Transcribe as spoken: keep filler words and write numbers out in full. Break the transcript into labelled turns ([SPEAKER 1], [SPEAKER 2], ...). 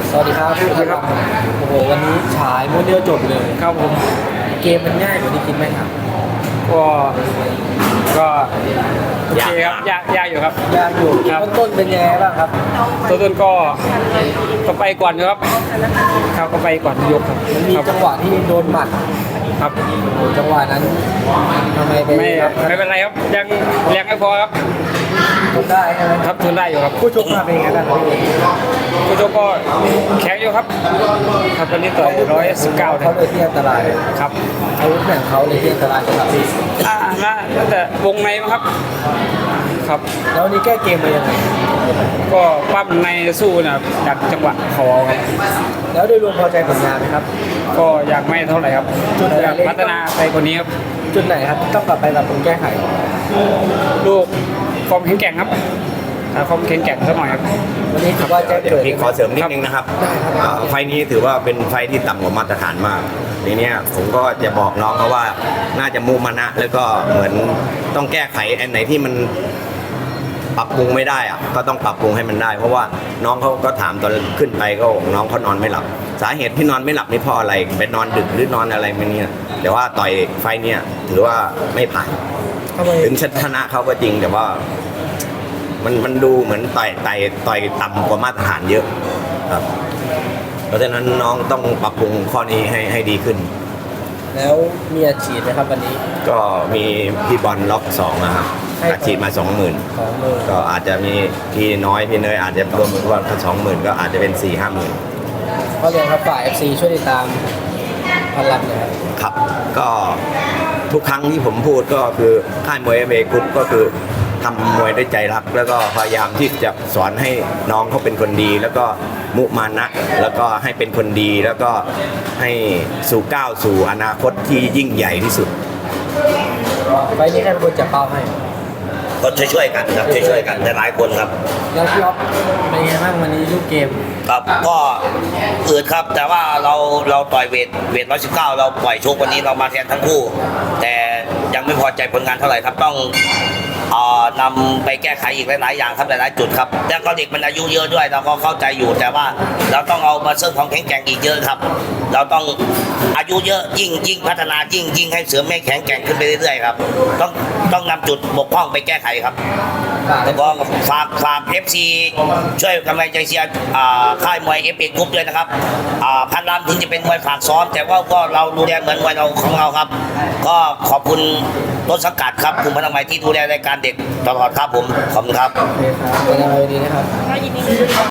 [SPEAKER 1] สวัสดีครับสวัสดีครับโอ้โหวันนี้ฉายโมเดลจบเลย
[SPEAKER 2] ครับผม
[SPEAKER 1] เกมมันง่ายกว่าที่คิดไหมครับ
[SPEAKER 2] ก็ก็โอเคครับยากยากอยู่ครับ
[SPEAKER 1] ยากอยู่
[SPEAKER 2] ครับ
[SPEAKER 1] ต้นๆเป็นยังไงบ้างครับ
[SPEAKER 2] ตัวต้นก็ก็ไปก่อนอยู่ครับครับก็ไปก่อนยกครับ
[SPEAKER 1] มันมี
[SPEAKER 2] ครับ
[SPEAKER 1] จังหวะที่โดนหมัด
[SPEAKER 2] ครับ
[SPEAKER 1] โอ้จังหวะนั้นทำไมไป
[SPEAKER 2] ไม่
[SPEAKER 1] ครับ
[SPEAKER 2] ไม่เป็นไรครับยังแรงไม่พอครับ
[SPEAKER 1] ทนได้ใช่ไหม
[SPEAKER 2] ครับทนได้อยู่ครับ
[SPEAKER 1] ผู้ชกมาเป็นยังไงบ้างครับพี่
[SPEAKER 2] ผู้ชกก็แข็งอยู่ครับครับวันนี้ต่อยร้อยสิบเก้า
[SPEAKER 1] เขาเลยที่อันตราย
[SPEAKER 2] ครับ
[SPEAKER 1] อาวุธแข่งเขาเลยที่อันตรายสำหรับพี่
[SPEAKER 2] อ่าน่าแต่วงในมั้งครับครับ
[SPEAKER 1] แล้ววันนี้แก้เกมมายังไง
[SPEAKER 2] ก็ปั้มในสู้นะดักจังหวะเขาเอาครับ
[SPEAKER 1] แล้วโดยรวมพอใจผลงานไหมครับ
[SPEAKER 2] ก็อยากไม่เท่าไหร่ครับ
[SPEAKER 1] จุดไหน
[SPEAKER 2] อยากพัฒนาไปกว่านี้ครับ
[SPEAKER 1] จุดไหนครับต้องกลับไปปรับปรุงแก้ไข
[SPEAKER 2] ลูกความแข็งแกร่งครับหาความแข็งแกร่งสักหน่อยครับ
[SPEAKER 1] วันนี้ถือว่าแจ้ง
[SPEAKER 3] เดี๋ย
[SPEAKER 1] เกิ
[SPEAKER 3] ว
[SPEAKER 1] ด
[SPEAKER 3] พี่ขอเสริมนิดนึงนะครับ
[SPEAKER 1] ได้ครับ
[SPEAKER 3] อ่าไฟล์นี้ถือว่าเป็นไฟล์ที่ต่ำกว่ามาตรฐานมากทีเนี้ยผมก็จะบอกน้องเขาว่าน่าจะมุมานะแล้วก็เหมือนต้องแก้ไขอันไหนที่มันปรับปรุงไม่ได้อะก็ต้องปรับปรุงให้มันได้ เพราะว่าน้องเขาก็ถามตอนขึ้นไปก็บอกน้องเขานอนไม่หลับ สาเหตุที่นอนไม่หลับนี่เพราะอะไรไปนอนดึกหรือนอนอะไรไม่เนี่ยแต่ว่าต่อยไฟล์เนี่ยถือว่าไม่ผ่าน
[SPEAKER 1] ทำไม
[SPEAKER 3] ถึงชนะเขาก็จริงแต่ว่า มันมันดูเหมือนต่อยต่อยต่อยต่ำกว่ามาตรฐานเยอะครับเพราะฉะนั้นน้องต้องปรับปรุงข้อนี้ให้ให้ดีขึ้น
[SPEAKER 1] แล้วมีอาชีพไหมครับวันนี้
[SPEAKER 3] ก็มีพี่บอลล็อกสองนะครับ
[SPEAKER 1] ให้
[SPEAKER 3] อาชีพมาสองหมื่น
[SPEAKER 1] สองมือ
[SPEAKER 3] ก็อาจจะมีพี่น้อยพี่เนยอาจจะรวมว่าสองหมื่นก็อาจจะเป็นสี่ห้าหมื่น
[SPEAKER 1] เขาเรียนครับฝ่าย เอฟ ซี ช่วยติดตามพันลันหนะครับ
[SPEAKER 3] ครับ ก็ทุกครั้งที่ผมพูดก็คือค่ายมวยเอเมกรุ๊ปก็คือทำมวยด้วยใจรัก แล้วก็พยายามที่จะสอนให้น้องเขาเป็นคนดี แล้วก็มุมานะ แล้วก็ให้เป็นคนดี แล้วก็ให้สู่ก้าวสู่อนาคตที่ยิ่งใหญ่ที่สุด
[SPEAKER 1] ไฟล์นี้ใครเป็นคนจับเป้าให้
[SPEAKER 3] ก็ช่วยๆกันครับช่วยๆกันหลายคนครับ
[SPEAKER 1] แล้วพี่อ๊อฟเป็นไงบ้างวันนี้ลูกเกม
[SPEAKER 4] ครับก็อืดครับแต่ว่าเราเราต่อยเวทเวทร้อยสิบเก้าเราปล่อยโชควันนี้เรามาแทนทั้งคู่ แต่ยังไม่พอใจผลงานเท่าไหร่ครับต้องเอ่อนำไปแก้ไขอีกหลายๆอย่างครับหลายๆจุดครับแล้วก็เด็กมันอายุเยอะด้วยเราก็เข้าใจอยู่แต่ว่าเราต้องเอามาเสริมความแข็งแกร่งอีกเยอะครับ เราต้องอายุเยอะยิ่งยิ่งพัฒนายิ่งยิ่งให้เสริมให้แข็งแกร่งขึ้นไปเรื่อยๆครับต้องต้องนำจุดบกพร่องไปแก้ไขครับ แล้วก็ฝากฝาก เอฟ ซี ช่วยกำลังใจเชียร์อ่าค่ายมวยเอฟเอกรุ๊ปด้วยนะครับอ่าพันลำถึงจะเป็นมวยฝากซ้อม แต่ว่าก็เราดูแลเหมือนมวยเราของเราครับ ก็ขอบคุณต้นสังกัดครับคุณพนักงานที่ดูแลรายการเด็กตลอดครับผมขอบคุณครับ
[SPEAKER 1] โอเคครับเป็นอะไรดีนะครับ